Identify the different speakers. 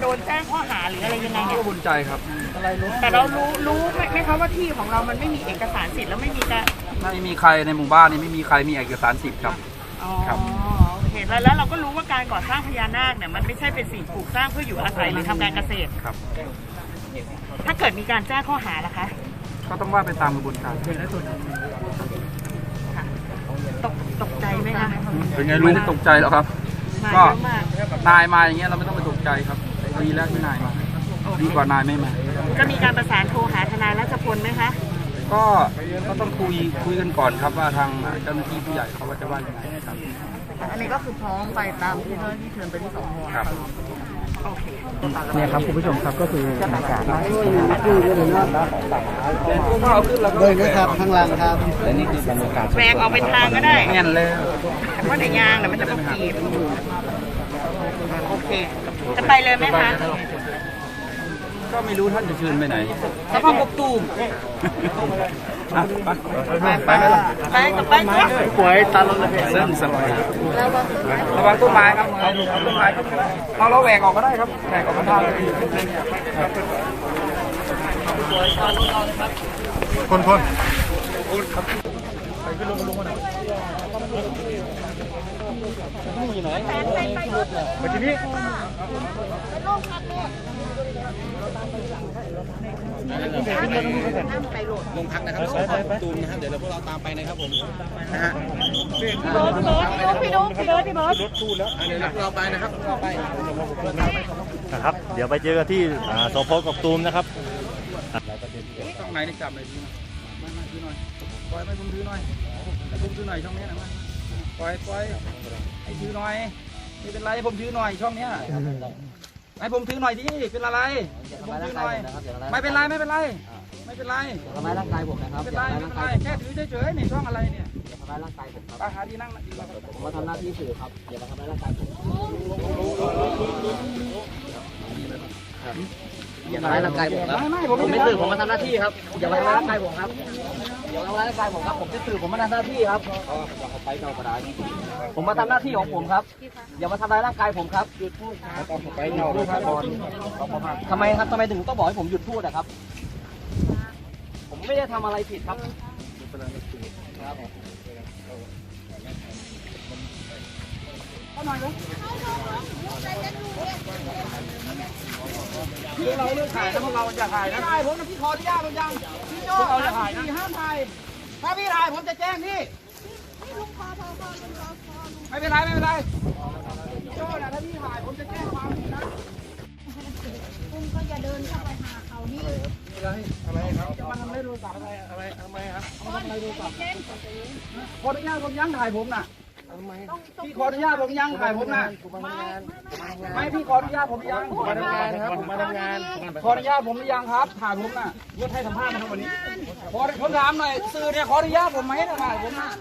Speaker 1: ดนแจ้งข้อหาหรืออะไรยังไงเนี่ย
Speaker 2: ก็บุญใจครับ
Speaker 1: แต่เรารู้ไหมคะว่าที่ของเรามันไม่มีเอกสารสิทธิ์แล้วไม่มีการ
Speaker 2: ไม่มีใครในหมู่บ้านนี้ไม่มีใครมีเอกสารสิทธิ์ครับ
Speaker 1: อ๋อ
Speaker 2: ครับ
Speaker 1: โอเคแล้วเราก็รู้ว่าการก่อสร้างพญานาคเนี่ยมันไม่ใช่เป็นสิ่งปลูกสร้างเพื่ออยู่อาศัยหรือทำการเกษตร
Speaker 2: ครับ
Speaker 1: ถ้าเกิดมีการแจ้งข้อหาล่ะคะ
Speaker 2: ก็ต้องว่าไปตามกระบวนการ
Speaker 1: ค่ะตกใจไหมคะ
Speaker 2: เป็นไงรู้ไม่ตกใจหรอกครับ
Speaker 1: มา
Speaker 2: ก็
Speaker 1: เยอะมาก
Speaker 2: นายมาอย่างเงี้ยเราไม่ต้องไปตกใจครับดีแล้วที่นายมาดีกว่านายไม่มา
Speaker 1: จะมีการประสานโทรหาทนายรัชพลไหมคะ
Speaker 2: ก็ต้องคุยกันก่อนครับว่าทางเจ้าหน้าที่ผู้ใหญ่เขาว่าจะว่ายังไงครับ
Speaker 1: อันนี้ก็คือพร้อมไปตามที่เจ้าหน้าที่เชิญไปที่สพ
Speaker 2: ครับ
Speaker 1: โอเค
Speaker 3: เนี่ยครับคุณผู้ชมครับก็คือบรรยากาศ
Speaker 4: เลยนะครับข้างล่างครับ
Speaker 3: และนี่คือบรรยากาศ
Speaker 1: แหวกออกเป็นทางก็ได้
Speaker 2: แน่นเลย
Speaker 1: เพราะในยางเนี่ยมันจะต้องกีบโอเค จะไปเลยไหมคะ
Speaker 2: ก็ไม่รู้ท่านจะเชิญไปไหน
Speaker 1: สภาพกบตูม
Speaker 2: อ่ะไป
Speaker 1: ไป
Speaker 4: ป่วยตาลงเลย
Speaker 2: เส้นสบายระวังต้นไม้ครับเอาต้นไม้ขึ้นก็ได้เราแหวกออกก็ได้ครับแหวกออกก็ได้
Speaker 4: คนลงพักนะครับสพตูมนะครับเดี๋ยวพวกเราตามไปนะครับผมนะฮะพี่โน้ตเดี๋ยวเราไปนะครับเราไป
Speaker 5: นะครับเดี๋ยวไปเจอกันที่สพกกตูมนะครับ
Speaker 2: ช่องไหนนี่จับเลยมาถือหน่อยปล่อยให้ผมถือหน่อยให้ผมถือหน่อยช่องนี้นะมาปล่อยให้ถือหน่อยไม่เป็นไรให้ผมถือหน่อยช่องเนี้ยให้ผมถือหน่อยดิเป็นอะไรผมถือหน่อยไม่เป็นไรไม่เป็นไร
Speaker 4: ทำร้ายร่างกายผมนะครับ
Speaker 2: ไม่เป็นไรแค่ถือเฉยๆนี่ช่องอะไรเนี่ย
Speaker 4: ทำร้ายร่างกายผมครับ
Speaker 2: ไปหาที่นั่งดีกว่า
Speaker 4: ผมมาทำหน้าที่สื่อครับอย่ามาทำร้ายร่างกายผมอย่าทำร้ายร่างกายผมครับผมไม่สื่อผมมาทำหน้าที่ครับอย่ามาทำร้ายร่างกายผมครับอย่ามาทำร้ายร่างกายผมครับผมจะสื่อผมมาทำหน้าที่ครับไปเจ้ากระดาษผมมาทำหน้าที่ของผมครับอย่ามาทำร้ายร่างกายผมครับหยุดพูดครับไปเงาด้วยครับทำไมครับทำไมถึงต้องบอกให้ผมหยุดพูดอะครับผมไม่ได้ทำอะไรผิดครับ
Speaker 2: พี่เราเลือกถ่ายนะพวกเราจะถ่ายนะถ่ายผมนะพี่ขออนุญาตหรือยังพี่โจ้เราจะถ่ายนะห้ามถ่ายถ้าพี่ถ่ายผมจะแจ้งพี่ไม่เป็นไรพี่โจ้นะถ้าพี่ถ่ายผมจะแจ้งความนะ
Speaker 6: คุณก็อย่าเดินเข้าไปหาเขานี่
Speaker 2: อะไรครับจะมาทำอะไรโทรศัพท์อะไรทำไมครับเอามาทำอะไรโทรศัพท์ขออนุญาตผมยังถ่ายผมน่ะพี่ขออนุญาตผมยังถ่ายผมน่ะไม่พี่ขออนุญาตผมยังมาทำงานครับผมมาทำงานขออนุญาตผมหรือยังครับถ่ายผมน่ะยศให้สัมภาษณ์นะครับวันนี้ผมถามหน่อยสื่อเนี่ยขออนุญาตผมไหมนะถ่ายผมน่ะ